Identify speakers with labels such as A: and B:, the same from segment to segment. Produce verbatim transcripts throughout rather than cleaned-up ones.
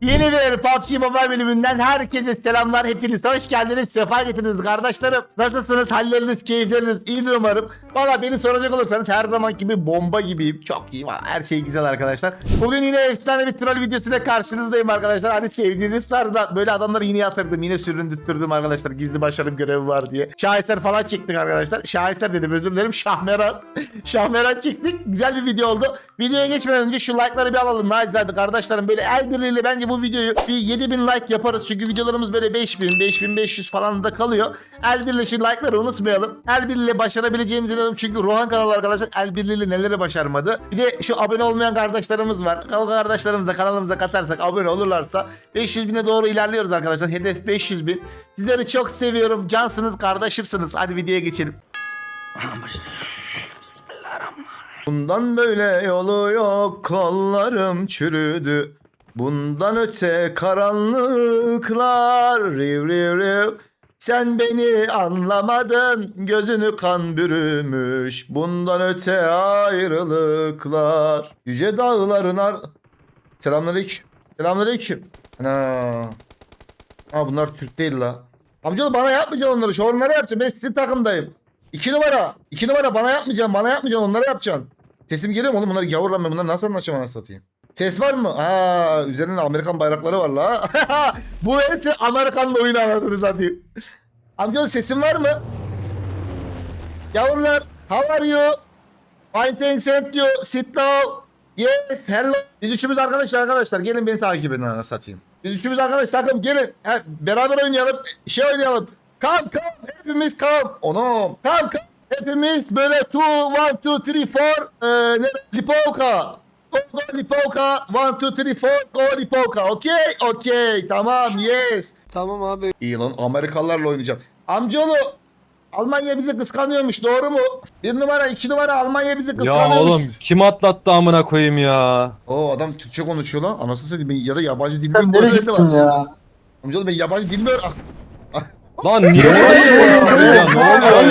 A: Yeni bir P U B G Mobile bölümünden herkese selamlar. Hepiniz hoş geldiniz. Sefa getirdiniz kardeşlerim. Nasılsınız? Halleriniz, keyifleriniz iyidir umarım. Valla beni soracak olursanız her zaman gibi bomba gibiyim. Çok iyi. Her şey güzel arkadaşlar. Bugün yine efsane bir troll videosuyla karşınızdayım arkadaşlar. Hani sevdiğiniz tarzda böyle adamları yine yatırdım. Yine süründürttürdüm arkadaşlar. Gizli başarım görevi var diye. Şaheser falan çektik arkadaşlar. Şaheser dedim, özür dilerim. Şahmeran. Şahmeran çektik. Güzel bir video oldu. Videoya geçmeden önce şu like'ları bir alalım. Nacizade kardeşlerim, böyle el birliğiyle bence bu videoyu bir yedi bin like yaparız. Çünkü videolarımız böyle beş bin, beş bin beş yüz falan da kalıyor. El birliğiyle şu like'ları unutmayalım. El birliğiyle başarabileceğimizi inanıyorum. Çünkü Rohan kanalı arkadaşlar el birliğiyle neleri başarmadı. Bir de şu abone olmayan kardeşlerimiz var. O kardeşlerimiz de kanalımıza katarsak, abone olurlarsa beş yüz bine doğru ilerliyoruz arkadaşlar. Hedef beş yüz bin. Sizleri çok seviyorum. Cansınız, kardeşimsiniz. Hadi videoya geçelim. Bundan böyle yolu yok, kollarım çürüdü. Bundan öte karanlıklar, riv riv riv. Sen beni anlamadın, gözünü kan bürümüş. Bundan öte ayrılıklar. Yüce dağların ar... Selamünaleyküm. Selamünaleyküm. Ana. Ha, bunlar Türk değil la. Amcaoğlu bana yapmayacaksın onları. Şu onları yapacağım. Ben sizin takımdayım. İki numara. İki numara bana yapmayacaksın. Bana yapmayacaksın. Onları yapacaksın. Sesim geliyor mu oğlum? Bunları gavur lan, ben bunları nasıl anlaşacağım, anasını satayım. Ses var mı? Aa, üzerinde Amerikan bayrakları var la. Bu hepsi Amerikan'la oyun anasını satayım. Amcaoğlu sesim var mı? Yavrular, how are you? Fine thanks and you. Sit down. Yes, hello. Biz üçümüz arkadaşlar arkadaşlar. Gelin beni takip edin, anasını satayım. Biz üçümüz arkadaş takım, gelin. He, beraber oynayalım. Şey oynayalım. Come come. Hepimiz come. Onum. Come come. Hepimiz böyle two, one, two, three, four. Ee, ne? Lipovka. Go, go Lipovka. one, two, three, four. Go Lipovka. Okey. Okey. Tamam. Yes.
B: Tamam abi.
A: İyi lan, Amerikalılarla oynayacağım. Amcaoğlu, Almanya bizi kıskanıyormuş, doğru mu? Bir numara, iki numara, Almanya bizi
B: Ya
A: kıskanıyormuş.
B: oğlum kim atlattı amına koyayım ya.
A: Oo, adam Türkçe konuşuyor lan. Anasını satayım, ya da yabancı dil
C: Sen
A: bilmiyor.
C: nereye gittin ya?
A: Amcaoğlu, ben yabancı bilmiyor. Ah.
B: Lan niye oluyor ya? Ya ne oluyor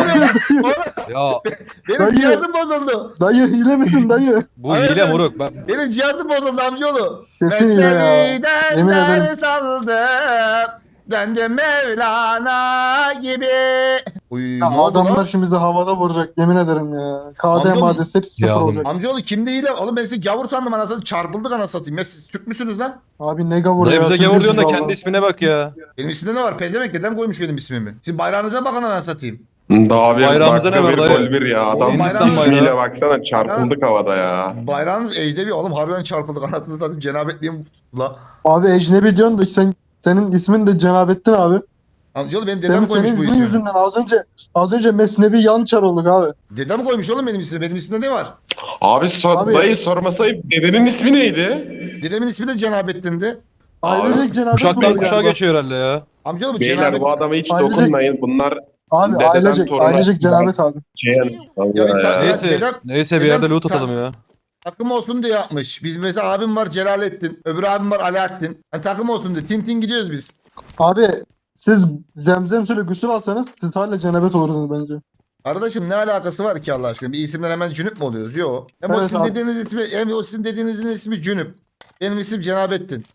B: ya? Ya
A: Benim
C: Dayı.
A: cihazım bozuldu.
C: Dayı hile misin dayı?
B: bu
A: Aynen.
B: hile moruk. Ben
A: Benim cihazım bozuldu amcaoğlu.
C: Kesin hile ya.
A: Mesnevi'den
C: Yemin ederim.
A: ders aldım. Döndüm Mevlana gibi. Uy,
C: Ya
A: ne oldu
C: adamlar
A: lan?
C: şimdi bizi havada vuracak, yemin ederim ya. K D
A: Amcaoğlu-
C: maddesi hepsi sıfır
B: Ya oğlum.
C: olacak.
A: Amcaoğlu kimde hile? Oğlum ben sizi gavur sandım, anasını çarpıldık, anasını satayım. Ya siz Türk müsünüz lan?
C: Abi ne gavur
B: dayı
C: ya.
B: bize
C: siz
B: gavur diyorsun da
C: biziz
B: kendi
C: valla.
B: ismine bak ya.
A: Benim ismimde ne var? Pezevenk dedem koymuş benim ismimi. Sizin bayrağınıza bakın, anasını satayım.
D: Daha bir
B: Bayrağımıza
D: dakika
B: ne var
D: bir
B: dayı?
D: gol bir ya. Adam
A: Oğlum, bayrağı-
D: ismiyle baksana çarpıldık havada ya.
A: Bayrağınız ecnebi oğlum, harbiden çarpıldık, anasını satayım. Cenabetliğim la.
C: Abi ecnebi diyorsun da sen, senin ismin de Cenabettin abi.
A: Amcaoğlu benim dedem
C: Senin,
A: koymuş
C: senin
A: bu
C: ismin
A: ismi.
C: yüzünden az önce az önce Mesnevi Yançar olduk abi.
A: Dedem koymuş oğlum benim ismimi. Benim ismimde ne var?
D: Abi, sor,
C: Abi-
D: dayı sormasaydı dedenin ismi neydi?
A: Dedemin ismi de Cenabettin'di.
C: Ailecek Cenabet
B: Kuşaktan
C: oldu
B: kuşağa
C: galiba.
B: geçiyor herhalde ya.
A: Amcaoğlu bu
D: Beyler
A: Cenabet.
D: bu adama hiç
C: Ailecek-
D: dokunmayın. Bunlar
C: Abi
D: dededen
C: ailecek,
D: toruna-
C: ailecek Cenabet abi.
D: Ceyhan.
A: Ya bir ta-
B: Neyse
A: dedem-
B: neyse bir
A: dedem-
B: yerde loot
A: ta-
B: atalım ya.
A: Takım olsun diye yapmış. Biz mesela abim var Celalettin. Öbür abim var Alaaddin. Yani takım olsun diye. Tintin gidiyoruz biz.
C: Abi siz zemzem suyla gusül alsanız siz hala Cenabet olurdunuz bence.
A: Kardeşim ne alakası var ki Allah aşkına? Bir isimden hemen Cünüp mü oluyoruz? Yok. Hem o
C: Evet
A: sizin
C: abi.
A: dediğiniz ismi, hem o sizin dediğinizin ismi Cünüp. Benim isim Cenabettin.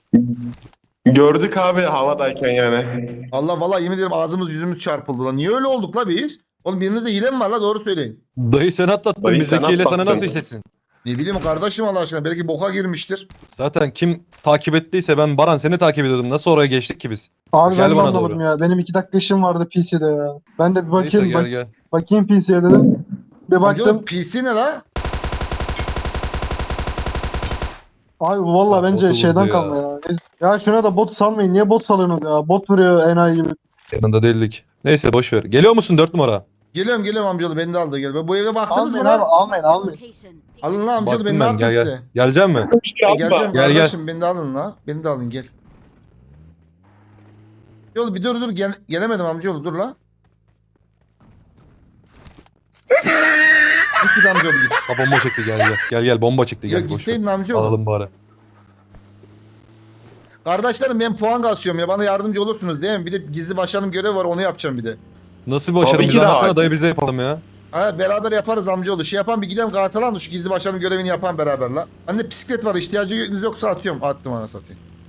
D: Gördük abi havadayken yani.
A: Allah vallahi yemin ederim ağzımız yüzümüz çarpıldı lan. Niye öyle olduk la biz? Oğlum birinizde hile mi var la, doğru söyleyin.
B: Dayı sen atlattın.
D: Dayı
B: Bizdeki
D: sen
B: hile sana
D: atlattın.
B: nasıl işlesin?
A: Ne bileyim kardeşim Allah aşkına, belki boka girmiştir.
B: Zaten kim takip ettiyse, ben Baran seni takip ediyordum. Nasıl oraya geçtik ki biz?
C: Abi
B: Gel
C: ben de
B: bana
C: anlamadım
B: doğru.
C: ya. Benim iki dakika işim vardı P C'de ya. Ben de bir
B: Neyse
C: bakayım,
B: gel
C: bak,
B: gel.
C: bakayım P C'ye dedim. Bir
A: Amcaoğlu
C: baktım.
A: P C ne la?
C: Abi valla
B: Ya,
C: bence
B: botu
C: şeyden
B: vurdu
C: kalma ya. Ya şuna da bot salmayın. Niye bot salıyorsunuz ya? Bot vuruyor enayi gibi.
B: Yanında değildik. Neyse boş ver. Geliyor musun dört numara?
A: Geliyorum geliyorum amcaoğlu, beni de aldı gel. Bu eve baktınız
C: Almayın
A: mı
C: abi,
A: lan?
C: almayın almayın.
A: Alın lan amcaoğlu,
B: Baktım
A: ben ne
B: ben,
A: yaptım
B: gel
A: size?
B: gel. Gelecek mi?
A: E, geleceğim
B: Gel, gel.
A: kardeşim, beni de alın la. Beni de alın, gel. Yolu bir dur dur gel, gelemedim amcaoğlu, dur la. Git git amcaoğlu git.
B: Ha bomba çıktı, gel gel. Gel gel bomba çıktı,
A: Ya
B: gel boş ver.
A: gitseydin amcaoğlu.
B: Alalım bari.
A: Kardeşlerim ben puan kasıyorum ya, bana yardımcı olursunuz değil mi? Bir de gizli başkanım görevi var, onu yapacağım bir de.
B: Nasıl bir başarı?
D: Tabii ki
B: Bize
D: de
B: anlatsana
D: hakim.
B: dayı, bize yapalım ya.
A: Ha, beraber yaparız amcaoğlu. Şey yapan bir gidelim kartalan da şu gizli başkanım görevini yapan beraber la. Anne bisiklet var, ihtiyacınız yoksa atıyorum. Attım ana satayım.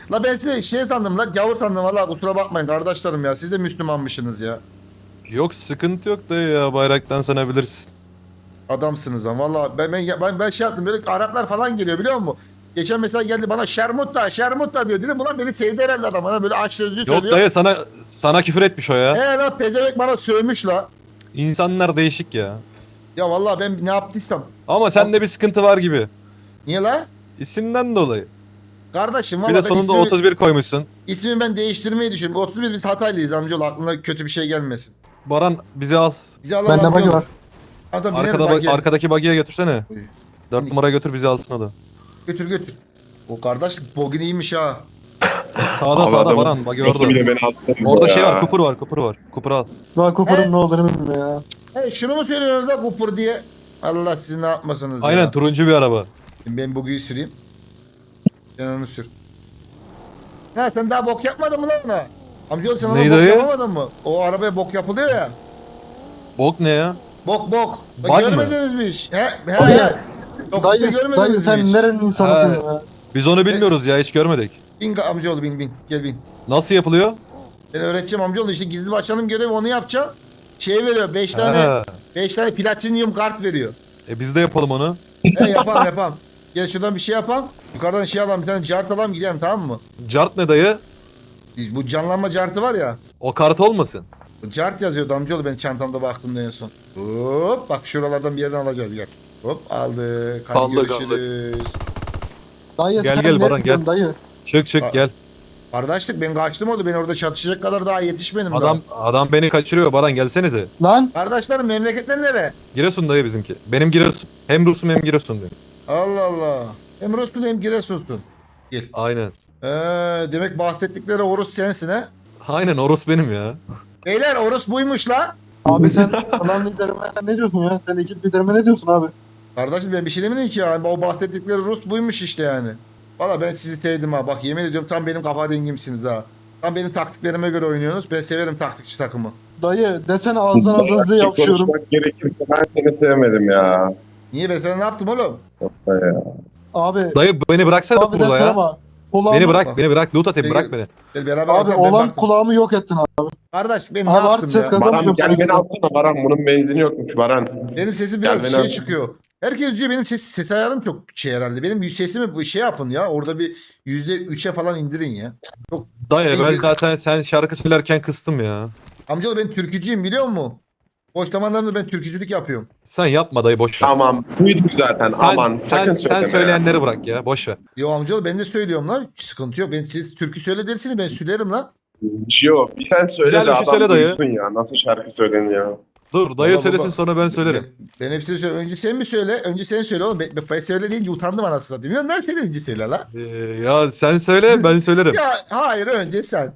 A: La ben size şey sandım la gavur sandım valla kusura bakmayın kardeşlerim ya. Siz de Müslümanmışsınız ya.
B: Yok sıkıntı yok dayı ya bayraktan sana bilirsin.
A: Adamsınız lan valla ben, ben, ben, ben şey yaptım böyle Araplar falan geliyor biliyor musun? Geçen mesela geldi bana şermutta şermutta diyor dedim ulan beni sevdi herhalde adam bana böyle aç sözlü
B: Yok
A: söylüyor.
B: dayı sana sana küfür etmiş o ya.
A: He la pezevenk bana sövmüş la.
B: İnsanlar değişik ya.
A: Ya valla ben ne yaptıysam.
B: Ama sende bir sıkıntı var gibi.
A: Niye la?
B: İsimden dolayı.
A: Kardeşim
B: Bir
A: valla
B: de
A: ben
B: sonunda
A: ismimi,
B: otuz bir koymuşsun.
A: ismimi ben değiştirmeyi düşünüyorum. otuz bir biz Hataylıyız amcaoğlu aklına kötü bir şey gelmesin.
B: Baran bizi al.
A: Bizi alalım
C: Bende bagi
A: amcaoğlu.
C: var.
A: Tamam tamam
B: Arkada
A: binelim
B: bak,
A: bak
B: arkadaki bagiye götürsene.
A: Buyur.
B: Dört
A: Minik.
B: numaraya götür bizi alsın o da.
A: Götür götür. O kardeşlik bugün iyiymiş ha.
B: Sağda
D: Abi
B: sağda
D: adam
B: Baran bagi
D: Nasıl bile
B: orada.
D: beni alsın
B: Orada
D: ya.
B: şey var kupur var kupur var. Kupur al.
C: Daha
A: He?
C: Cooper'ın ne olduğunu bilmiyorum ya.
A: He şunu mu söylüyorsunuz da kupur diye? Allah sizi ne yapmasınız
B: Aynen
A: ya.
B: turuncu bir araba.
A: Şimdi ben bugüyü süreyim. Sen onu sür. Ha sen daha bok yapmadın mı lan ona? Amcaoğlu sen ona
B: Neydi
A: bok
B: o ya?
A: yapamadın mı? O arabaya bok yapılıyor ya.
B: Bok ne ya?
A: Bok bok. Bak,
B: Bug mı?
A: görmediniz mi hiç? He he
C: Dayı,
A: he. Yok
C: Dayı,
A: görmediniz
C: dayı
A: mi
C: sen
A: hiç?
C: nerenin insanısın
B: He.
C: ya?
B: Biz onu bilmiyoruz ya hiç görmedik.
A: Bin amcaoğlu bin bin. Gel bin.
B: Nasıl yapılıyor?
A: Ben öğreteceğim amcaoğlu işte gizli başkanım görevi onu yapacağım. Şey veriyor beş tane
B: Ha.
A: beş tane platinyum kart veriyor.
B: E biz de yapalım onu.
A: He yapalım yapalım. Gel şuradan bir şey yapalım. Yukarıdan şey alalım bir tane cart alalım gidelim tamam mı?
B: Cart ne dayı?
A: Bu canlanma cartı var ya.
B: O kart olmasın.
A: Cart yazıyordu amcaoğlu ben çantamda baktım en son. Hop bak şuralardan bir yerden alacağız gel. Hop aldık. Hadi
B: Aldık,
A: görüşürüz.
C: Dayı
B: Gel,
C: sen
B: gel
C: nereye
B: Baran,
C: gidiyorsun
B: gel.
C: Dayı.
B: Çık çık
A: Ha.
B: gel.
A: Kardeşlik ben kaçtım oldu. Ben orada çatışacak kadar daha yetişmedim
B: Adam adam beni kaçırıyor Baran gelsenize.
C: Lan
A: daha. Kardeşlerim memleketler nere?
B: Giresun dayı bizimki. Benim Giresun. Hem Rus'um hem Giresun diyor.
A: Allah Allah. Hem Rus'un hem Giresun'sun. Gel.
B: Aynen.
A: Ee, demek bahsettikleri Orus sensin ha?
B: Aynen o Rus benim ya.
A: Beyler Orus buymuş la.
C: abi sen klan liderime sen ne diyorsun ya? Sen ekip liderime ne diyorsun abi?
A: Kardeşim ben bir şey demedim ki ya. O bahsettikleri Rus buymuş işte yani. Valla ben sizi sevdim ha. Bak yemin ediyorum tam benim kafa dengimsiniz ha. Tam benim taktiklerime göre oynuyorsunuz. Ben severim taktikçi takımı.
C: Dayı desene ağzından hızlı
D: Açık
C: yapışıyorum.
D: konuşmak gerekirse ben seni sevmedim ya.
A: Niye ben sana ne yaptım oğlum?
D: Ya.
C: Abi,
B: Dayı beni bıraksana
C: abi
B: burada
C: desene
B: ya.
C: bak. Kulağımı,
B: Beni bırak
A: Bak.
B: beni bırak. Loot atayım
A: Peki.
B: bırak beni.
A: Gel beraber
C: Abi
A: atalım, ben
C: olan
A: baktım.
C: kulağımı yok ettin abi.
A: Kardeş ben ne
C: Abi
A: yaptım
C: artık ses
A: ya?
C: kazan-
D: Baran gel beni alsana Baran. Bunun benzini yokmuş Baran.
A: Benim sesim
D: Gel
A: biraz
D: beni
A: şey
D: al.
A: çıkıyor. Herkes diyor benim ses, ses ayarım çok şey herhalde. Benim sesimi bu şey yapın ya. Orada bir yüzde üçe falan indirin ya.
B: Dayı ben
A: Peki.
B: zaten sen şarkı söylerken kıstım ya.
A: Amcaoğlu ben türkücüyüm biliyor musun? Boş zamanlarımda ben türkücülük yapıyorum.
B: Sen yapma dayı boş ver.
D: Tamam. Duyduk zaten.
B: Sen,
D: Aman
B: sen,
D: sakın
B: sen
D: söyleme.
B: söyleyenleri bırak ya boş ver.
A: Yo amcaoğlu ben de söylüyorum lan. Sıkıntı yok. Ben siz türkü söyle dersiniz ben söylerim lan.
D: Yok. Bir sen söyle
B: Güzel
D: de
B: bir şey
D: adam
B: söyle dayı.
D: duysun ya. Nasıl şarkı söyleniyor.
B: Dur dayı
A: Baba,
B: söylesin
A: baba.
B: sonra ben söylerim.
A: Ben, ben hepsini söyle. Önce sen mi söyle? Önce sen söyle oğlum. Ben, ben söyle deyince utandım anasını satayım. Ya sen önce söyle la.
B: Ee, ya sen söyle ben söylerim.
A: Ya hayır önce sen.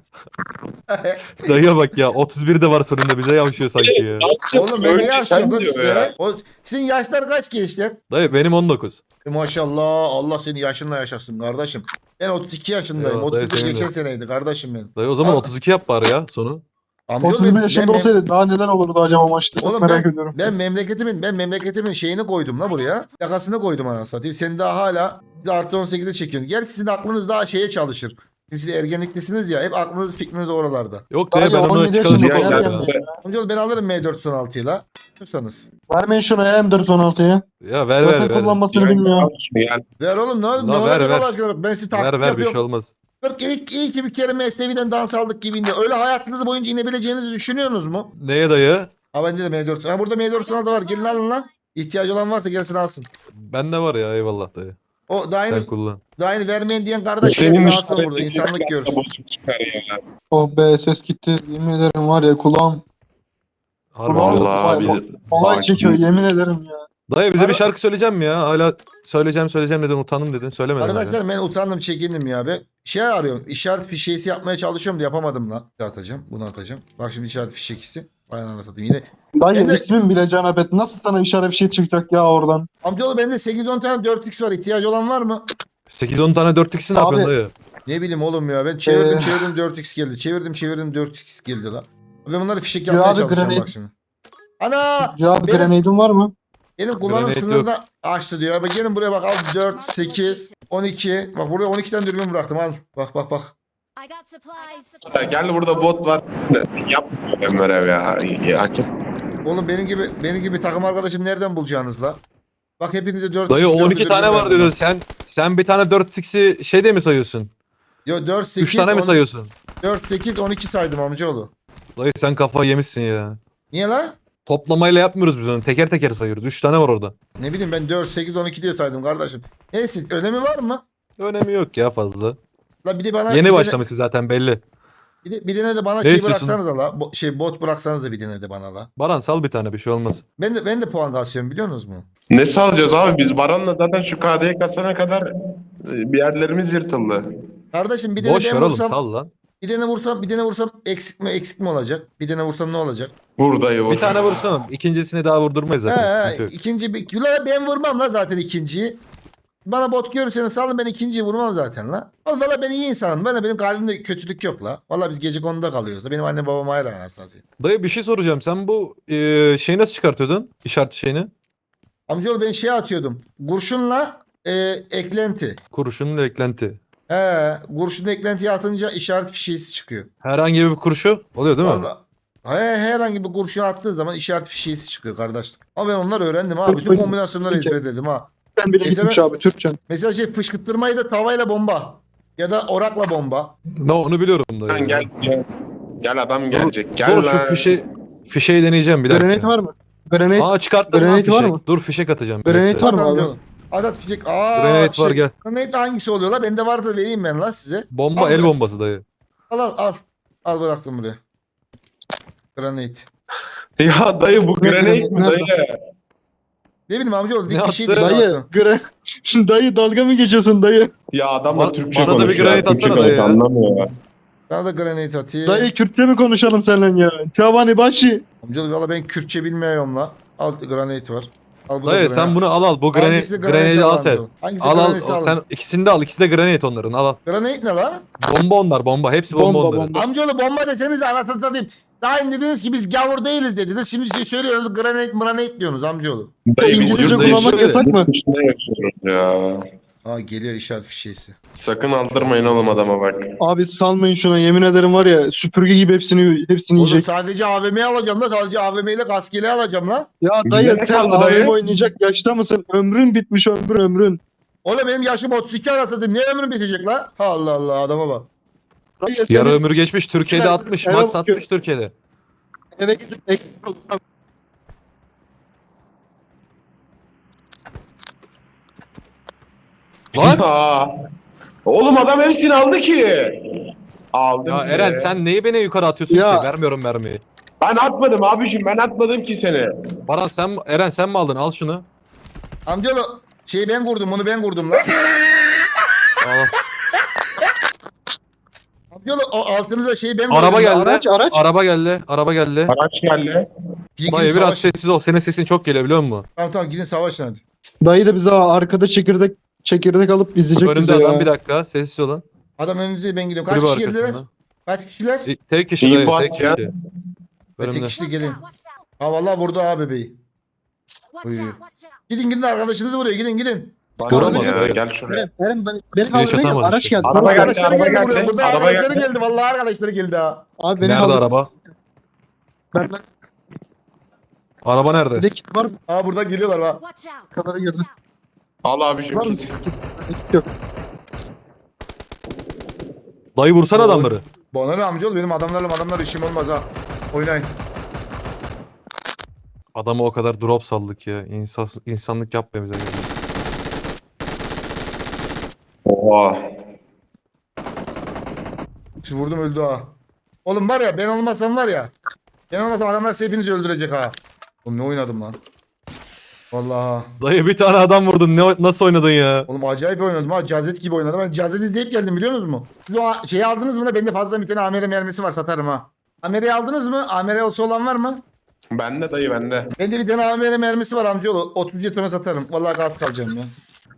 B: Dayıya bak ya otuz bir de var sonunda bize yavşıyor sanki ya.
A: Oğlum ben ne
D: Önce
A: yaşıyorum
D: sen
A: lan
D: diyor
A: size?
D: ya.
A: O, sizin yaşlar kaç gençler?
B: Dayı benim on dokuz.
A: E, maşallah Allah seni yaşınla yaşasın kardeşim. Ben otuz iki yaşındayım.
B: Eyvallah, dayı
A: otuz bir
B: senin de.
A: geçen seneydi kardeşim benim.
B: Dayı o zaman
A: Aa.
B: otuz iki yap bari ya sonu.
A: Amcaoğlu
C: otuz
A: ben,
C: bir yaşında
A: ben, mem-
C: olsaydı daha neler olurdu acaba maçta? Çok
A: Oğlum
C: merak
A: ben,
C: ediyorum.
A: ben memleketimin ben memleketimin şeyini koydum la buraya. Yakasını koydum anasını satayım. Sen daha hala siz artı on sekize çekiyorsun. Gerçi sizin aklınız daha şeye çalışır. Şimdi siz ergenliklisiniz ya. Hep aklınız fikriniz oralarda.
B: Yok
C: Dayı
B: dayı ben onu
C: on yedi
B: çıkaracak
C: yaşında
D: Ya,
B: oldum
D: ya,
B: ya.
D: ya.
A: Amcaoğlu ben alırım M dört yüz on altıyı la. Diyorsanız.
C: Vermeyin şuna ya M dört on altıyı.
B: Ya ver
C: Zaten
B: ver ver.
C: kullanmasını
D: Yani,
C: bilmiyor.
D: al şunu ya.
A: Ver oğlum ne, ne
B: La, ver,
A: olacak
B: ver.
A: Allah aşkına bak ben size taktik
B: Ver ver bir
A: yapıyorum.
B: şey olmaz.
A: Kırk ilk, iyi ki bir kere Mesnevi'den dans aldık gibiydi. Öyle hayatınız boyunca inebileceğinizi düşünüyorsunuz mu?
B: Neye dayı?
A: Ha bende de M dört yüz. Ha burada M dört yüz altı var. Gelin alın lan. İhtiyacı olan varsa gelsin alsın.
B: Bende var ya eyvallah dayı.
A: O daha yeni,
B: Sen kullan.
A: daha yeni vermeyen diyen kardeş
D: Senin
A: gelsin alsın
D: işaretin
A: burada. İnsanlık
D: kesinlikle
A: görsün.
D: bozuk çıkar ya.
C: Oh be ses gitti. Yemin ederim var ya kulağım
B: Harbi
C: Vallahi
B: haklısın.
C: abi. olay çekiyor yemin ederim ya.
B: Dayı bize bir
A: Ara-
B: şarkı söyleyeceğim mi ya? Hala söyleyeceğim söyleyeceğim dedin utandım dedin söylemedin. hala.
A: Arkadaşlar ben utandım çekindim ya be. Şey arıyorum. İşaret fişeğisi yapmaya çalışıyorum da yapamadım lan. Bir atacağım. Bunu atacağım. Bak şimdi işaret fişeğisi. Vay anasını satayım. Yine.
C: Dayı
A: Ben de-
C: ismin bile Canabet. Nasıl sana işaret bir şey çıkacak ya oradan?
A: Amcaoğlu bende sekiz on tane dört x var. İhtiyacı olan var mı?
B: sekiz on tane dört x'i ne
C: Abi-
B: yapıyorsun dayı?
A: Ne bileyim oğlum ya. Ben çevirdim
C: Ee.
A: çevirdim dört x geldi. Çevirdim çevirdim dört x geldi la. Ben bunları fişek
C: Ya
A: yapmaya
C: abi,
A: çalışacağım
C: granit-
A: bak şimdi. Ana!
C: Ya bir
A: Benim-
C: grenade'in var mı?
A: Benim kullanım
B: Granate
A: sınırı da açtı diyor. Bak gelin buraya bak al dört, sekiz, on iki. Bak buraya on iki tane dürbün bıraktım al. Bak bak bak.
E: I got supplies.
D: Ya gel burada bot var. Yap Emre ya. ya. Açık.
A: Oğlum benim gibi benim gibi takım arkadaşım nereden bulacaksınız la? Bak hepinize dört
B: Dayı
A: dört
B: on iki
A: dürbün
B: tane var
A: verdim.
B: diyor. Sen sen bir tane dört x'i şeyde mi sayıyorsun?
A: Yo dört, sekiz,
B: üç tane mi
A: on-
B: sayıyorsun?
A: dört, sekiz, on iki saydım amcaoğlu.
B: Dayı sen kafayı yemişsin ya.
A: Niye la?
B: Toplamayla yapmıyoruz biz onu. Teker teker sayıyoruz. üç tane var orada.
A: Ne bileyim ben dört, sekiz, on iki diye saydım kardeşim. Neyse önemi var mı?
B: Önemi yok ya fazla.
A: La bir de bana bir
B: Yeni
A: de-
B: başlamışsın zaten belli.
A: Bir de, bir de ne de bana
B: Ne
A: şey
B: istiyorsun?
A: bıraksanız la. Bo- şey bot bıraksanız da bir de ne de bana la.
B: Baran sal bir tane bir şey olmaz.
A: Ben de ben de puan kasıyorum biliyor musunuz mu?
D: Ne salacağız abi? Biz Baran'la zaten şu K D'ye kasana kadar e, bir yerlerimiz yırtıldı.
A: Kardeşim bir de
B: Boş
A: ben
B: ver oğlum
A: vursam,
B: sal lan.
A: bir tane vursam, bir tane vursam eksik mi eksik mi olacak? Bir tane vursam ne olacak?
D: Vur dayı vur.
B: Bir tane vursana. İkincisini daha vurdurmayız
A: He,
B: zaten.
A: he,
B: Sıkıntı yok.
A: ikinci bir la ben vurmam la zaten ikinciyi. Bana bot görürseniz salın ben ikinciyi vurmam zaten la. Oğlum valla ben iyi insanım. Bana benim kalbimde kötülük yok la. Valla biz gece konuda kalıyoruz da. Benim annem babam ayrı anasını satayım.
B: Dayı bir şey soracağım. Sen bu e, şeyi nasıl çıkartıyordun? İşaret şeyini.
A: Amcaoğlu ben şey atıyordum. Kurşunla e, eklenti.
B: Kurşunun eklenti.
A: He, kurşunla eklentiyi atınca işaret fişeğisi çıkıyor.
B: Herhangi bir kurşu oluyor değil mi?
A: Vallahi, he, herhangi bir kurşun attığın zaman işaret fişeğisi çıkıyor kardeşlik. Ama ben onları öğrendim ha. Bütün kombinasyonları ezberledim ha.
C: Ben bile
A: Neyse
C: gitmiş
A: ben-
C: abi Türkçen.
A: Mesela şey fışkırtmayı da tavayla bomba. Ya da orakla bomba.
B: Ne onu biliyorum dayı.
D: Lan gel gel. Gel adam gelecek. Gel
B: Dur şu
D: lan.
B: fişe fişeyi deneyeceğim bir dakika.
C: Granate var mı? Granate,
B: Aa çıkarttım lan
C: Granate var
B: fişek.
C: mı?
B: Dur fişek atacağım. bir
C: Granate
B: dakika.
C: var mı
A: At
C: abi?
A: amcaoğlu. Adat fişek. Aa,
B: Granate
A: fişek.
B: var gel.
A: Granate hangisi oluyor la? Bende vardır vereyim ben la size.
B: Bomba
A: Al,
B: el
A: al.
B: bombası dayı.
A: Al al al. Al bıraktım buraya. Granate.
D: Ya dayı bu
C: Ne-
D: grenade mi
C: nerede?
D: dayı?
A: Ne bileyim amcaoğlu dik
B: Ne
A: bir şey
B: attı?
A: değil.
C: Dayı, gra dayı dalga mı geçiyorsun dayı?
D: Ya adam da
B: Ba-
D: Türkçe
B: bana da bir
D: konuşuyor.
B: grenade
D: Türkçe
B: atsana dayı
D: konuş,
B: ya.
D: anlamıyor ya.
A: Sana da granate atayım.
C: Dayı Kürtçe mi konuşalım seninle ya? Çavani başı.
A: Amcaoğlu valla ben Kürtçe bilmiyorum la. Al granate var. Al bu da
B: Dayı
A: granate.
B: sen bunu al al. Bu
A: Hangisi
B: granate, granate al sen.
A: amcaoğlu? Hangisi
B: Al al.
A: granate al.
B: Sen ikisini de al. İkisi de granate onların. Al al.
A: Granate ne la?
B: Bomba onlar bomba. Hepsi bomba,
C: Bomba,
B: onların.
C: bomba.
A: Amcaoğlu bomba deseniz anasını satayım. Daha önce dediniz ki biz gavur değiliz dediniz. Şimdi şey söylüyorsunuz granate granate diyorsunuz amcaoğlu.
D: Dayı biz
C: İngilizce
D: yurt
B: dayı
C: kullanmak
B: şöyle.
C: yasak mı?
D: dışında yaşıyoruz ya.
A: Aa geliyor işaret fişeğisi.
D: Sakın aldırmayın oğlum adama bak.
C: Abi salmayın şuna yemin ederim var ya süpürge gibi hepsini hepsini
A: Oğlum
C: yiyecek.
A: sadece A V M'yi alacağım da sadece A V M ile kaskeli alacağım la.
C: Ya
D: Bize
C: dayı
D: ne
C: sen
D: kaldı dayı?
C: A V M oynayacak yaşta mısın? Ömrün bitmiş ömrün ömrün.
A: Oğlum benim yaşım otuz iki anasını satayım. Niye ömrüm bitecek la? Allah Allah adama bak.
C: Dayı
B: Yarı
C: senin
B: ömür geçmiş. Türkiye'de
C: Evet,
B: altmış.
C: evet,
B: Max
C: evet.
B: altmış Türkiye'de.
C: eve gidip ekmek olsam.
B: Lan!
D: Aa. Oğlum adam hepsini aldı ki. Aldım
B: Ya
D: ki.
B: Eren sen neyi beni yukarı atıyorsun
C: Ya.
B: ki? Vermiyorum mermiyi.
D: Ben atmadım abiciğim ben atmadım ki seni.
B: Baran sen Eren sen mi aldın? Al şunu.
A: Amcaoğlu şeyi ben kurdum bunu ben kurdum la.
B: Al.
A: Amcaoğlu o altınıza şeyi ben kurdum.
B: Araba
A: la.
B: geldi.
C: Araç, araç.
B: Araba geldi. Araba geldi.
D: Araç geldi.
A: Gidin,
B: Dayı
A: gidin
B: biraz
A: savaşın.
B: sessiz ol. Senin sesin çok geliyor biliyor musun?
A: Tamam tamam gidin savaşın hadi.
C: Dayı da bize arkada çekirdek çekirdek alıp izleyecek
B: Önünde
C: bizi
B: adam
C: ya.
B: bir dakika. Sessiz olun.
A: Adam önünüzde ben gidiyorum. Kaç
B: Kulübe
A: kişi geldiler?
B: arkasında.
A: Kaç kişiler?
B: E, Tek kişi dayı.
D: İnfo
B: Tek
D: at ya.
B: kişi.
A: Ve tek
B: Önümde.
A: kişi gelin.
E: Watch out!
A: Ha vallahi vurdu ha bebeği.
E: Watch
A: Buyur.
E: out! Watch out!
A: Gidin gidin arkadaşınızı vuruyor gidin gidin.
B: Vuramaz
D: ya,
B: dayı.
D: gel şuraya.
C: Eren, Eren ben, beni
B: Hiç
C: kaldırmaya gel.
B: atamaz
C: Araç
B: işte.
C: geldi.
D: Araba geldi.
A: Arkadaşları
D: araba
A: geldi buraya.
D: geldi.
A: Burada
D: Araba
A: arkadaşları
D: geldi.
A: geldi. Vallahi arkadaşları geldi ha.
C: Abi beni
B: Nerede
C: kaldır.
B: araba?
C: Ben ben
B: Araba nerede?
C: bir de kit var mı?
A: Ha buradan geliyorlar ha.
E: Watch out!
C: Kadara girdim.
D: Al abiciğim
C: Var mı?
D: git.
C: Kit yok.
B: Dayı vursana adamları.
A: Bana ne amcaoğlu benim adamlarla adamlar işim olmaz ha. Oynayın.
B: Adamı o kadar drop saldık ya. İnsan, insanlık yapmıyor bize.
D: Oha.
A: Şimdi vurdum öldü ha. Oğlum var ya ben olmasam var ya. Ben olmasam adamlar sizi hepinizi öldürecek ha. Oğlum ne oynadım lan. Vallahi.
B: Dayı bir tane adam vurdun. Ne, nasıl oynadın ya?
A: Oğlum acayip oynadım ha. Cazet gibi oynadım. Ben Cazet izleyip geldim biliyor musunuz mu? Siz o a- şeyi aldınız mı da bende fazla bir tane Amere mermisi var satarım ha. Amere'yi aldınız mı? Amere olsa olan var mı?
D: Bende dayı bende.
A: Bende bir tane Amere mermisi var amcaoğlu. otuz jetona satarım. Vallahi gaz kalacağım ya.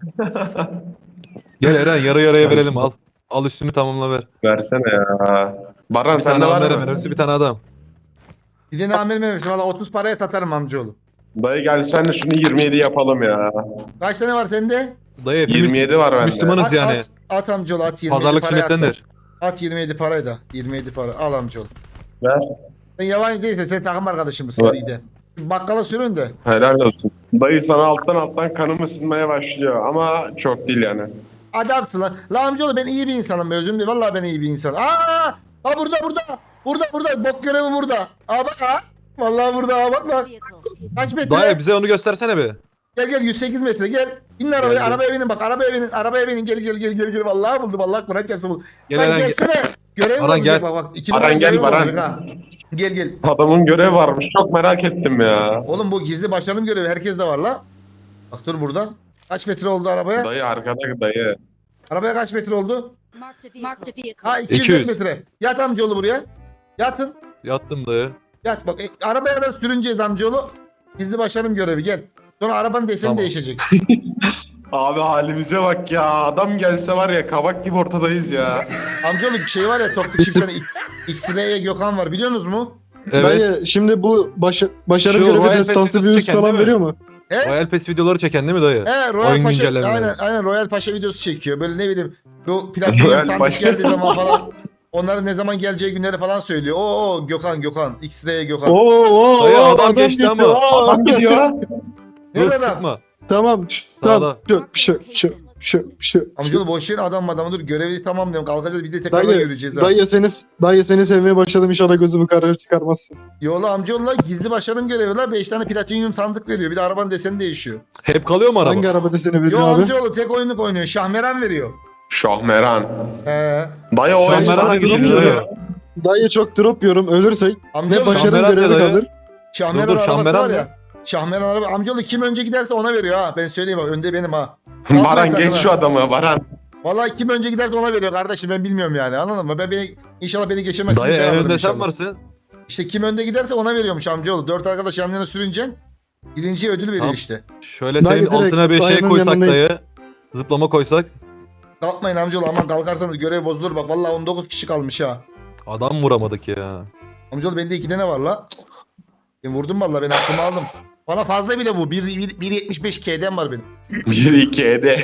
B: Gel Eren yarı yarıya verelim al. Al üstünü tamamla ver.
D: Versene ya. Baran
B: Bir
D: sende
B: tane
D: var
B: amere
D: mı?
B: mermisi bir tane adam.
A: Bir tane Amere mermisi. Valla otuz paraya satarım amcaoğlu.
D: Dayı gel sen de şunu yirmi yedi yapalım ya.
A: Kaç tane var sende?
B: Dayı hepimiz
D: yirmi yedi var bende.
B: Müslümanız
A: At,
B: yani.
A: at, at amcaoğlu at yirmi yedi
B: Pazarlık
A: parayı at da.
B: sünnettendir.
A: At yirmi yedi parayı da. yirmi yedi para. Al amcaoğlu.
D: Ver.
A: Sen yabancı değilse sen takım arkadaşımız
D: Evet.
A: seride. Bakkala sürün de.
D: Helal olsun. Dayı sana alttan alttan kanım ısınmaya başlıyor ama çok değil yani.
A: Adamsın lan. La amcaoğlu ben iyi bir insanım be özüm değil. Vallahi ben iyi bir insanım. Aa! Aa burada burada. Burada burada. Bok görevi burada. Aa bak ha. Vallahi burada aa bak bak.
E: Vehicle.
A: Kaç metre?
B: Dayı bize onu göstersene be.
A: Gel gel yüz sekiz metre gel. İnin arabaya,
B: Geldim.
A: arabaya binin bak, arabaya binin, arabaya binin. Gel gel gel gel gel. Vallahi buldum, vallahi Kur'an çarpsın buldum.
B: Gel,
A: Lan
B: Eren, gel.
A: gelsene. Görev
B: Baran,
A: olacak
B: gel.
A: bak bak. İki
D: Baran,
A: numara
D: gel,
A: görev
D: Baran.
A: olacak ha. Gel gel.
D: Adamın görevi varmış. Çok merak ettim ya.
A: Oğlum bu gizli başlarım görevi herkes de var la. Bak dur burada. Kaç metre oldu arabaya?
D: Dayı arkada dayı.
A: Arabaya kaç metre oldu?
E: Marked a vehicle. Marked a vehicle.
A: Ha iki yüz
B: iki yüz.
A: metre. Yat amcaoğlu buraya. Yatın.
B: Yattım dayı.
A: Yat bak. E, arabaya da sürüneceğiz amcaoğlu. Gizli başlarım görevi gel. Sonra arabanın deseni
B: Tamam.
A: değişecek.
D: Abi halimize bak ya. Adam gelse var ya kabak gibi ortadayız ya.
A: Amcaoğlu şey var ya Toptik Çift'ten X-Ray'e Gökhan var biliyor musunuz mu?
B: Evet.
C: Dayı şimdi bu başa, başarı
B: Şu
C: görevi
B: Royal Pass
C: destansı
B: videosu
C: bir üst
B: çeken
C: falan
B: değil mi?
C: veriyor mu?
A: He?
B: Royal Pass videoları çeken değil mi dayı?
A: He Royal
B: Oyun
A: Paşa
B: güncellemeleri.
A: aynen aynen Royal Paşa videosu çekiyor. Böyle ne bileyim bu platinum
D: Royal
A: sandık
D: Paşa.
A: geldiği zaman falan onların ne zaman geleceği günleri falan söylüyor. Oo oo, Gökhan Gökhan X-Ray Gökhan.
C: Oo, oo,
B: Dayı,
C: oo,
B: adam geçti
C: geçiyor.
B: ama.
C: Aa,
D: Adam gidiyor.
B: Dur
A: Nerede adam?
B: sıkma.
C: Tamam. şş,
B: Sağda.
C: Tamam. Şu şu şu şu şu.
A: Amcaoğlu boş verin adam adamı dur görevi tamam diyorum kalkacağız bir de tekrardan
C: Dayı,
A: yürüyeceğiz ha.
C: dayı seni, dayı seni sevmeye başladım inşallah gözümü kararır çıkarmazsın.
A: Yola amcaoğlu gizli başarım görevi la beş tane platinum sandık veriyor. Bir de arabanın deseni değişiyor.
B: Hep kalıyor mu araba?
C: Hangi arabada seni
A: Yo
C: veriyor abi?
A: amcaoğlu tek oyunluk oynuyor. Şahmeran veriyor.
D: Şahmeran.
A: He.
D: Dayı o
B: Şahmeran
D: efsane
B: hangi
D: bir
B: şey
D: şey
B: dayı?
D: ya.
C: Dayı çok drop yiyorum ölürsek ne
A: Amcaoğlu
C: başarı
B: Şahmeran
C: görevi
B: ne dayı?
C: kalır.
A: Şahmeran
B: Dur, dur,
A: arabası
B: Şahmeran
A: var
B: mı?
A: ya. Şahmeran araba. Amcaoğlu kim önce giderse ona veriyor ha. Ben söyleyeyim bak önde benim ha.
D: Baran
A: sakın
D: geç
A: ha.
D: şu adamı Baran.
A: Vallahi kim önce giderse ona veriyor kardeşim ben bilmiyorum yani anladın mı? Ben beni inşallah beni geçemezsiniz.
B: Dayı
A: ben
B: en
A: alırım
B: önde sen
A: inşallah.
B: varsın.
A: İşte kim önde giderse ona veriyormuş amcaoğlu. Dört arkadaş yan yana sürüneceksin. Birinciye ödül veriyor
B: Tamam.
A: işte.
B: Şöyle
C: Dayı
B: senin
C: direkt
B: altına bir şey
C: dayının
B: koysak
C: yanındayım.
B: dayı. Zıplama koysak.
A: Kalkmayın amcaoğlu aman kalkarsanız görev bozulur bak. Vallahi on dokuz kişi kalmış ha.
B: Adam vuramadık ya.
A: Amcaoğlu bende iki tane var la. Ben vurdum vallahi ben aklımı aldım. Bana fazla bile bu. bir yetmiş beş K'den var benim.
D: bir iki ede.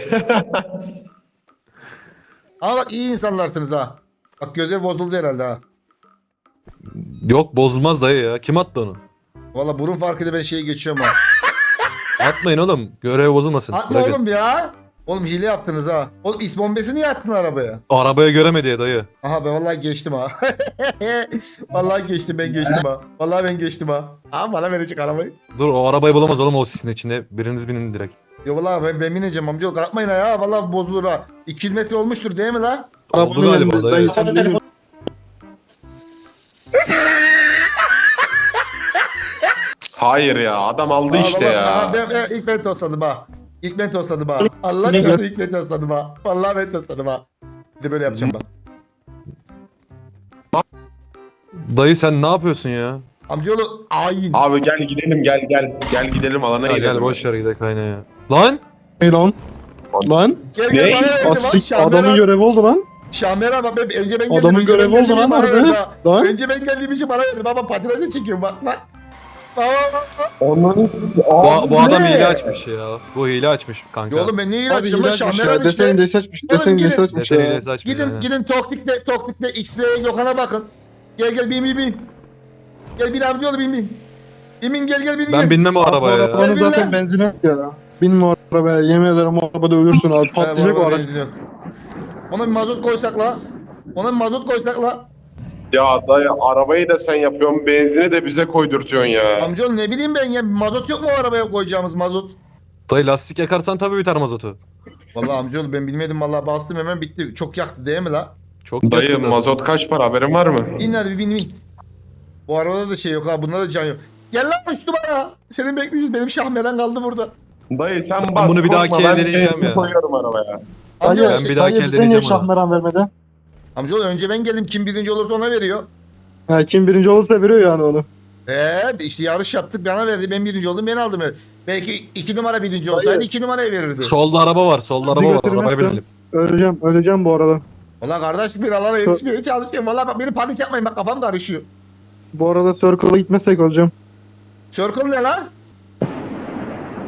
A: Ama bak iyi insanlarsınız ha. Bak görev bozuldu herhalde ha.
B: Yok bozulmaz dayı ya. Kim attı onu?
A: Valla burun farkıyla ben şeye geçiyorum ha.
B: Atmayın oğlum. Görev bozulmasın.
A: Atma
B: Bırakın.
A: oğlum ya. Oğlum hile yaptınız ha. Oğlum is bombesi niye attın arabaya?
B: Arabaya göremedi ya dayı.
A: Aha ben vallahi geçtim ha. Vallahi geçtim ben geçtim ha. Vallahi ben geçtim ha. Aa bana verecek arabayı.
B: Dur o arabayı bulamaz oğlum o sisin içinde. Biriniz binin direkt.
A: Yo vallahi ben, ben bineceğim amca. Kalkmayın ha ya. Vallahi bozulur ha. iki yüz metre olmuştur değil mi la?
B: Oldu
C: Arabanın
B: galiba
C: yanında
B: dayı.
C: dayı sen bilmiyorsun.
D: Hayır ya adam aldı
A: Aa,
D: işte
A: baba,
D: ya.
A: aa, ben, ben, ilk ben tosladım ha. İlk ben tosladım ha. Allah çarptı ilk ben tosladım ha. Vallahi ben tosladım ha. Bir de böyle yapacağım bak.
B: Dayı sen ne yapıyorsun ya?
A: Amcaoğlu ayin.
D: Abi gel gidelim gel gel. Gel gidelim alana
B: Ha,
D: gidelim.
B: gel boş ver gidelim kayna ya. Lan!
C: Hey lan. Lan.
A: Gel
D: Ne?
A: gel bana verdi bak.
C: Asik adamın
A: Şahmeran.
C: görevi oldu lan.
A: Şahmeran bak ben, önce ben geldim.
C: Adamın
A: önce ben
C: görevi
A: geldim,
C: oldu lan
A: bana
C: harbi.
A: verdi ha.
C: Lan.
A: Önce ben geldiğim için bana verdi. Baba patinajı çekiyorum bak bak.
D: Onların
B: Bu, bu adam hile açmış ya. Bu hile açmış kanka.
A: Ya oğlum ben niye
C: Abi
A: ilaçlıyorum lan
C: ilaç
A: Şahmeran
C: Desen
A: işte.
C: de saçmış.
A: Oğlum
C: Desen de
A: gidin.
C: saçmış
B: Desen
C: ya.
B: hilesi açmış
A: Gidin
B: ya.
A: gidin Toktik'te Toktik'te X-Ray'e Gökhan'a bakın. Gel gel bin bin bin. Gel bin amcaoğlu bin bin. Bin bin gel gel bin
B: Ben
A: gel.
B: binmem o arabaya ya.
C: Arabanın
A: Gel bin
C: zaten
A: lan.
C: benzin yok ya. Binme o arabaya. Yemin ederim o arabada ölürsün abi.
A: He, bu
C: Patlayacak o
A: arada
C: araç.
A: benzin yok. Ona bir mazot koysak la. Ona bir mazot koysak la.
D: Ya dayı arabayı da sen yapıyorsun benzini de bize koydurtuyorsun ya.
A: Amcaoğlu ne bileyim ben ya mazot yok mu o arabaya koyacağımız mazot?
B: Dayı lastik yakarsan tabii biter mazotu.
A: Vallahi amcaoğlu ben bilmedim vallahi bastım hemen bitti. Çok yaktı değil mi la?
B: Çok
D: Dayı
B: yakında.
D: mazot kaç para haberin var mı?
A: İn hadi bir bin bin. Bu arabada da şey yok ha bunda da can yok. Gel lan üç numara. Senin bekleyeceğiz. Benim Şahmeran kaldı burada.
D: Dayı sen
B: Ben
D: bas
B: bunu bir dahaki
D: korkma, ben
B: deneyeceğim
D: benzin
B: ya.
D: koyuyorum arabaya.
A: Amcaoğlu,
C: Dayı,
B: Ben
A: şey-
B: bir dahaki
C: dayı
B: elde
C: bize niye
B: edeceğim onu.
C: Şahmeran vermedi?
A: amcaoğlu önce ben geldim. Kim birinci olursa ona veriyor.
C: Ha, kim birinci olursa veriyor yani onu.
A: Eee işte yarış yaptık bana verdi. Ben birinci oldum ben aldım. Belki iki numara birinci olsaydı
C: Hayır.
A: iki numarayı verirdi.
B: Solda araba var. Solda
C: Bizi
B: araba var.
C: götürmezsen-
B: Arabaya binelim.
C: Öleceğim, öleceğim bu arada.
A: Valla kardeş bir alana yetişmeye çalışıyorum. Valla bak beni panik yapmayın bak kafam karışıyor.
C: Bu arada Circle'a gitmezsek olacağım.
A: Circle ne lan?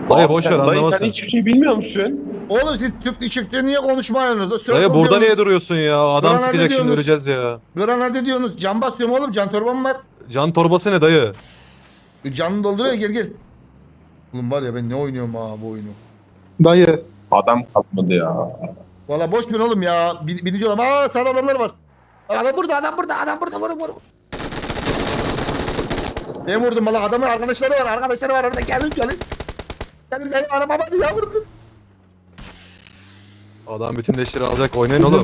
B: Dayı boş ver
D: Dayı sen
B: anlamazsın.
D: hiçbir şey bilmiyor musun?
A: Oğlum siz Türk Türkçe niye konuşmuyorsunuz? Circle
B: Dayı burada
A: diyorsunuz,
B: niye duruyorsun ya? Adam
A: Buralarda
B: sıkacak şimdi
A: diyorsunuz.
B: öleceğiz ya.
A: Granade diyorsunuz. Can basıyorum oğlum. Can torbam var.
B: Can torbası ne dayı?
A: Canını dolduruyor gel gel. Oğlum var ya ben ne oynuyorum ha bu oyunu.
C: Dayı.
D: Adam kalmadı ya.
A: Valla boş ver oğlum ya. Bin, binici oğlum. Aa sağda adamlar var. Adam burada adam burada adam burada vurun vurun. Ben vurdum valla adamın arkadaşları var arkadaşları var orada gelin gelin. Gelin benim arabama niye vurdun?
B: Adam bütün leşleri alacak oynayın oğlum.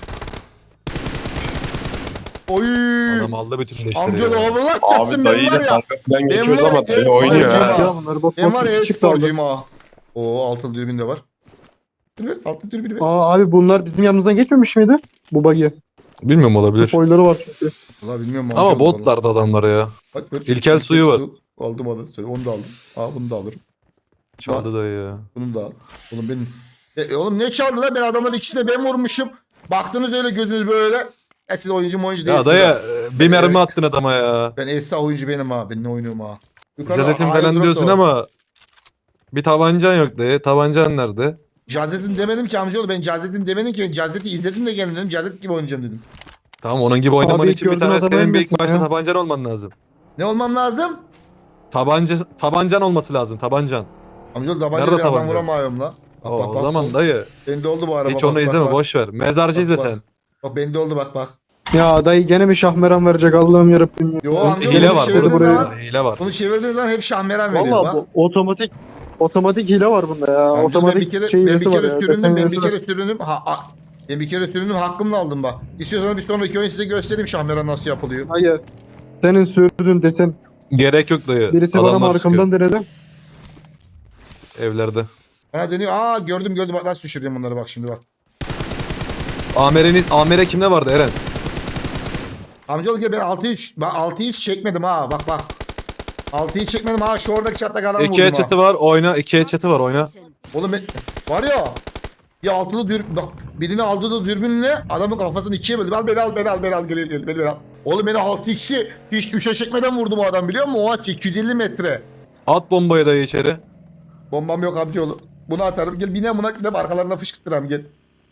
A: Oy.
B: Adam aldı bütün leşleri
A: Amcalı
B: ya.
A: Allah
D: Abi
A: çatsın ben
D: dayıyla
A: var ya.
D: kankasından geçiyoruz
A: var ya,
D: ama dayı
A: en
D: oynuyor
A: sonuncu
D: ha.
A: ya.
C: Ya bunlar bot
A: Ben var ya
C: bot çıktı aldı.
A: e-sporcuyum ha. Oo altın dürbün de var. Evet altın dürbün ver.
C: Aa abi bunlar bizim yanımızdan geçmemiş miydi? Bu buggy.
B: Bilmiyorum olabilir.
C: Boyları var çünkü.
A: Valla bilmiyorum
B: Ama
A: amcalı valla.
B: botlardı adamlar ya.
A: Bak, ver,
B: İlkel suyu var.
A: su. Aldım aldım. Onu da aldım. Aa bunu da alırım.
B: Çaldı dayı ya.
A: Bunu da al. Oğlum benim. E, e, oğlum ne çaldı lan? Ben adamların ikisini de ben vurmuşum. Baktınız öyle gözünüz böyle. E siz oyuncu mu oyuncu
B: Ya
A: değilsiniz.
B: dayı
A: ha.
B: e, bir mermi attın adama ya.
A: Ben Esra oyuncu benim ha. Ben ne oynuyorum ha. Yukarıda
B: Cazetin
A: airdrop
B: falan
A: da
B: diyorsun
A: var.
B: ama bir tabancan yok dayı. Tabancan nerede?
A: Cazetin demedim ki amcaoğlu. Ben Cazetin demedim ki. Ben Cazet'i izledim de geldim dedim. Cazet gibi oynayacağım dedim.
B: Tamam onun gibi oynaman
C: Abi
B: için bir
C: gördüğün
B: tane
C: adamı
B: senin bir ilk
C: ölmesin
B: başta
C: ya.
B: tabancan olman lazım.
A: Ne olmam lazım?
B: Tabanca, tabancan olması lazım tabancan.
A: Amcaoğlu tabanca
B: Nerede
A: bir adam
B: tabanca?
A: vuramıyorum la. Bak
B: O,
A: bak
B: o
A: bak.
B: zaman dayı
A: Bende oldu bu araba.
B: hiç
A: bak,
B: onu
A: bak,
B: izleme
A: bak.
B: boş ver. Mezarcı
A: Bak,
B: izle
A: bak.
B: sen.
A: Bak bende oldu bak bak.
C: Ya dayı gene mi şahmeran verecek Allah'ım yarabbim.
A: Yo
B: Onun
A: amcaoğlu
B: hile
A: bunu
B: var
A: çevirdiğiniz
C: burada.
A: zaman.
B: Hile var.
A: Bunu çevirdiğiniz zaman hep şahmeran veriyor
C: Valla
A: bak.
C: bu otomatik otomatik hile var bunda ya.
A: Amca
C: otomatik
A: ben bir kere,
C: şey
A: ben bir
C: hilesi var
A: kere
C: ya.
A: süründüm,
C: Desen
A: ben bir
C: hilesi
A: kere
C: var.
A: süründüm. Ha, ha, ben bir kere süründüm, hakkımla aldım bak. İstiyorsanız bir sonraki oyun size göstereyim şahmeran nasıl yapılıyor.
C: Hayır. Senin sürdüğün desen
B: Gerek yok dayı.
C: birisi bana
B: Adamlar
C: arkamdan denedi.
B: sıkıyor. Evlerde.
A: Bana deniyor, aa gördüm gördüm bak nasıl düşürüyorum bunları bak şimdi bak.
B: Amer'in Amer'e kimde vardı Eren?
A: Amcaoğlu gel ben altı üç, ben altı üç çekmedim ha bak bak. altı üç çekmedim ha şu oradaki çatlak adamı vurdum
B: İkiye
A: ha.
B: çatı var oyna. İkiye çatı var oyna.
A: Oğlum ben, var ya. Ya altılı dürbün, bak birini aldı da dürbünle adamın kafasını ikiye böldü. Al beni al beni al beni al gel gel beni, beni al. Oğlum beni altı x'i hiç üçe çekmeden vurdum o adam biliyor musun? O aç iki yüz elli metre.
B: At bombayı dayı içeri.
A: Bombam yok amcaoğlu. Bunu atarım. Gel bine buna gidip arkalarına fışkırtırım gel.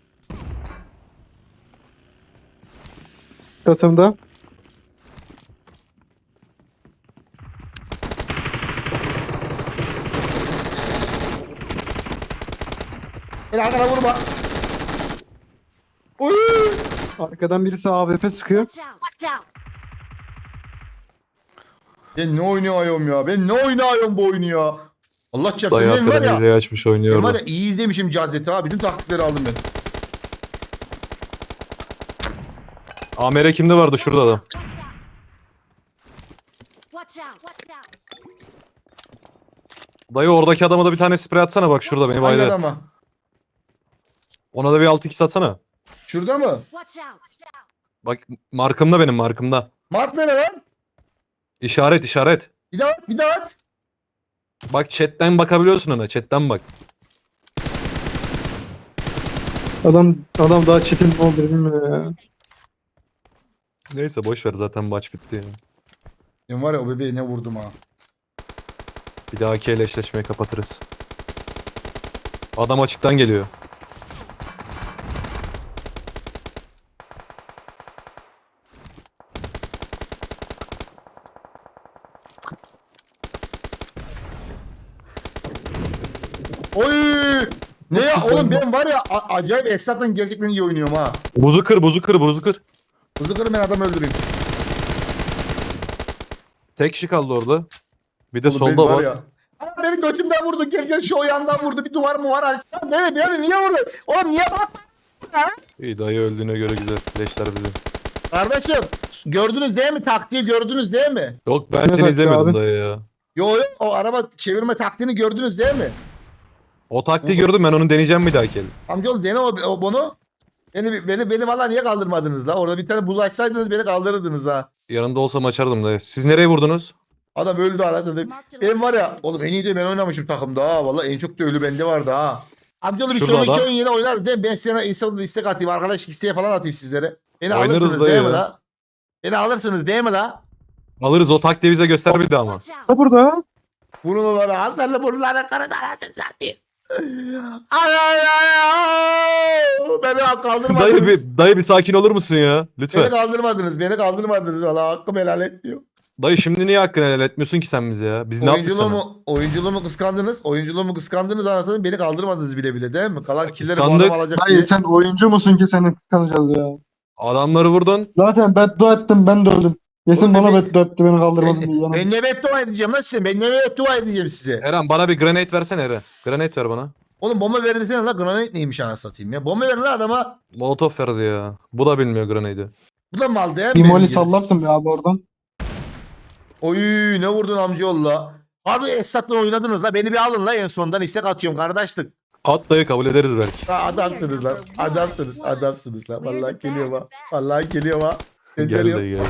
C: Katımda.
A: Gel arkana vurma. Uy!
C: Arkadan birisi A W P sıkıyor.
E: Watch out. Watch out.
A: Ben ne oynuyorum ya? Ben ne oynuyorum bu oyunu ya? Allah çarpsın
B: Dayı
A: benim var
B: hakikaten
A: ya.
B: hileyi açmış
A: Ben
B: oynuyor
A: var
B: orada.
A: ya iyi izlemişim Cazet'i ha. Bütün taktikleri aldım ben.
B: Amer'e kimde vardı şurada adam.
E: Watch out. Watch out.
B: Dayı oradaki adama da bir tane sprey atsana bak şurada beni
A: Hangi
B: baydı.
A: adama?
B: Ona da bir altı x atsana.
A: Şurada mı?
E: Watch out.
B: Bak markımda benim markımda.
A: Mart nere lan?
B: İşaret işaret.
A: Bir daha at, bir daha at.
B: Bak chatten bakabiliyorsun ona chatten bak.
C: Adam adam daha çetin ne oldu bilmiyorum ya.
B: Neyse boş ver zaten maç bitti ya.
A: Ben var ya o bebeği ne vurdum ha.
B: Bir dahaki eleşleşmeyi kapatırız. Adam açıktan geliyor.
A: Oy! Ne ya oğlum ben var ya a- acayip Esat'ın gerçekten iyi oynuyorum ha.
B: Buzu kır buzu kır buzu kır.
A: Hızlı kırın ben adam öldüreyim.
B: Tek kişi kaldı orada. Bir de
A: Oğlum
B: solda
A: ben
B: var.
A: ya. Aa, beni götümden vurdu. Gel gel şu o yandan vurdu. Bir duvar mı var? Ay, beni beni niye vurdu? Oğlum niye bak?
B: İyi dayı öldüğüne göre güzel. Leşler bizim.
A: Kardeşim gördünüz değil mi? Taktiği gördünüz değil mi?
B: Yok ben
C: Ne
B: seni
C: dakika
B: izlemedim
C: abi?
B: dayı ya.
A: Yo yo o araba çevirme taktiğini gördünüz değil mi?
B: O taktiği gördüm ben onu deneyeceğim bir dahaki el.
A: Amcaoğlu dene o, o bunu. Beni, beni, beni valla niye kaldırmadınız la? Orada bir tane buz açsaydınız beni kaldırırdınız ha.
B: Yanında olsam açardım dayı. Siz nereye vurdunuz?
A: Adam öldü arada.
E: Marked a
A: Ben var ya oğlum en iyi de ben oynamışım takımda ha. Valla en çok da ölü bende vardı ha. Amcaoğlu bir
B: Şurada
A: sonraki
B: adam.
A: oyun yine oynarız değil mi? Ben sana Instagram'da istek atayım. Arkadaş isteğe falan atayım sizlere. Beni
B: Oynarız
A: alırsınız
B: dayı
A: değil mi
B: ya.
A: la? Beni alırsınız değil mi la?
B: Alırız o taktiği bize göster bir daha ama.
E: Watch out.
C: Ha burada.
A: Burunları hasarlı burunları kırın anasını satayım. Ay ay ay ay. Beni
B: Dayı
A: kaldırmadınız.
B: bir, dayı bir sakin olur musun ya?
A: Beni
B: Lütfen.
A: kaldırmadınız. Beni kaldırmadınız. Valla hakkım helal etmiyor.
B: Dayı şimdi niye hakkını helal etmiyorsun ki sen bize ya? Biz ne yaptık sana?
A: Oyunculuğumu, oyunculuğumu kıskandınız. Oyunculuğumu kıskandınız anasını beni kaldırmadınız bile bile değil mi? Kalan killeri bu
B: Kıskandık.
A: adam alacak
C: Dayı
A: diye.
C: sen oyuncu musun ki seni kıskanacağız ya?
B: Adamları vurdun.
C: Zaten beddua ettim ben de öldüm. Yesin
A: Oğlum
C: bana
A: ben-
C: beddua etti beni kaldırmadı diye.
A: Ben, ben ne beddua edeceğim lan size? Ben ne beddua edeceğim size?
B: Eren bana bir grenade versene Eren. Grenade ver bana.
A: Oğlum bomba verin desene la granit neymiş anasını satayım ya. Bomba verin la adama.
B: Molotof verdi ya. Bu da bilmiyor grenade'i.
A: Bu da mal değil mi?
C: Bir
A: benim
C: moli
A: gibi?
C: sallarsın bir abi oradan.
A: Oy ne vurdun amcaoğlu la. Abi Esat'la oynadınız la. Beni bir alın la en sondan istek atıyorum kardeşlik.
B: At dayı kabul ederiz belki.
A: Ha, adamsınız lan. Adamsınız. Adamsınız lan. Vallahi geliyor ha. Vallahi geliyor ha.
B: Gel
A: Gönderiyorum.
B: dayı gel.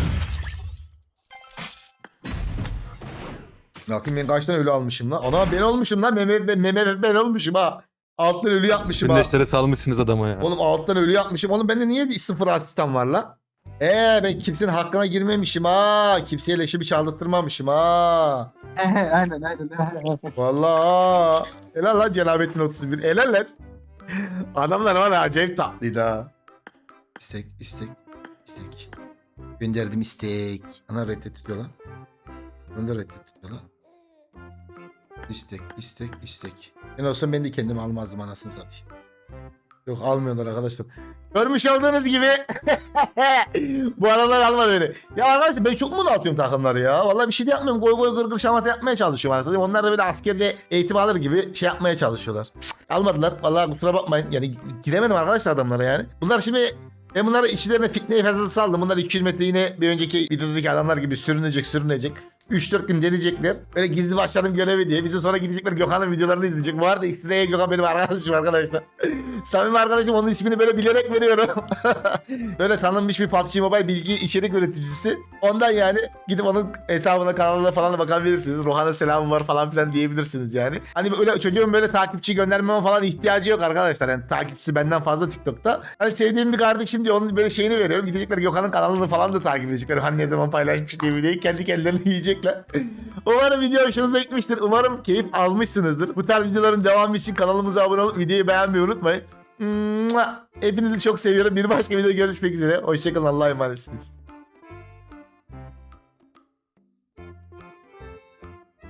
A: Bakayım ben kaç tane ölü almışım lan. Ana ben olmuşum lan. Meme, ben, meme ben olmuşum ha. Alttan ölü yapmışım ha.
B: Gündeşlere salmışsınız adama ya.
A: Oğlum alttan ölü yapmışım. Oğlum bende niye sıfır asistan var la? Eee ben kimsenin hakkına girmemişim ha. Kimseye leşimi çaldırtmamışım ha.
C: aynen aynen.
A: Vallahi. Helal lan Cenabettin otuz bir. Helal lan. Adamlar var ya acayip tatlıydı ha. İstek, istek, istek. Gönderdim istek. Ana reddediyor lan. Bunu da reddediyor lan. İstek, istek, istek. Ben olsam ben de kendimi almazdım anasını satayım. Yok almıyorlar arkadaşlar. Görmüş olduğunuz gibi bu adamlar almadı beni. Ya arkadaşlar ben çok mu dağıtıyorum takımları ya? Vallahi bir şey de yapmıyorum. Goy goy gırgır şamata yapmaya çalışıyorum aslında. Onlar da böyle askerde eğitim alır gibi şey yapmaya çalışıyorlar. Cık, almadılar. Vallahi kusura bakmayın. Yani giremedim arkadaşlar adamlara yani. Bunlar şimdi ben bunları içlerine fitneyi fazla saldım. Bunlar iki yüz metre yine bir önceki videodaki adamlar gibi sürünecek sürünecek. üç dört gün deneyecekler. Böyle gizli başlarım görevi diye. Bizim sonra gidecekler Gökhan'ın videolarını izleyecek. Bu arada X-Ray'e Gökhan benim arkadaşım arkadaşlar. Samimi arkadaşım, onun ismini böyle bilerek veriyorum. Böyle tanınmış bir P U B G Mobile bilgi içerik üreticisi. Ondan yani gidip onun hesabına kanalına falan da bakabilirsiniz. Rohan'a selamım var falan filan diyebilirsiniz yani. Hani böyle çocuğun böyle takipçi göndermeme falan ihtiyacı yok arkadaşlar. Yani takipçisi benden fazla TikTok'ta. Hani sevdiğim bir kardeşim diye onun böyle şeyini veriyorum. Gidecekler Gökhan'ın kanalını falan da takip edecekler. Hani ne zaman paylaşmış diye videoyu kendi kendilerini yiyecekler. Umarım video hoşunuza gitmiştir. Umarım keyif almışsınızdır. Bu tarz videoların devamı için kanalımıza abone olup videoyu beğenmeyi unutmayın. Hepinizi çok seviyorum. Bir başka videoda görüşmek üzere. Hoşçakalın. Allah'a emanetsiniz.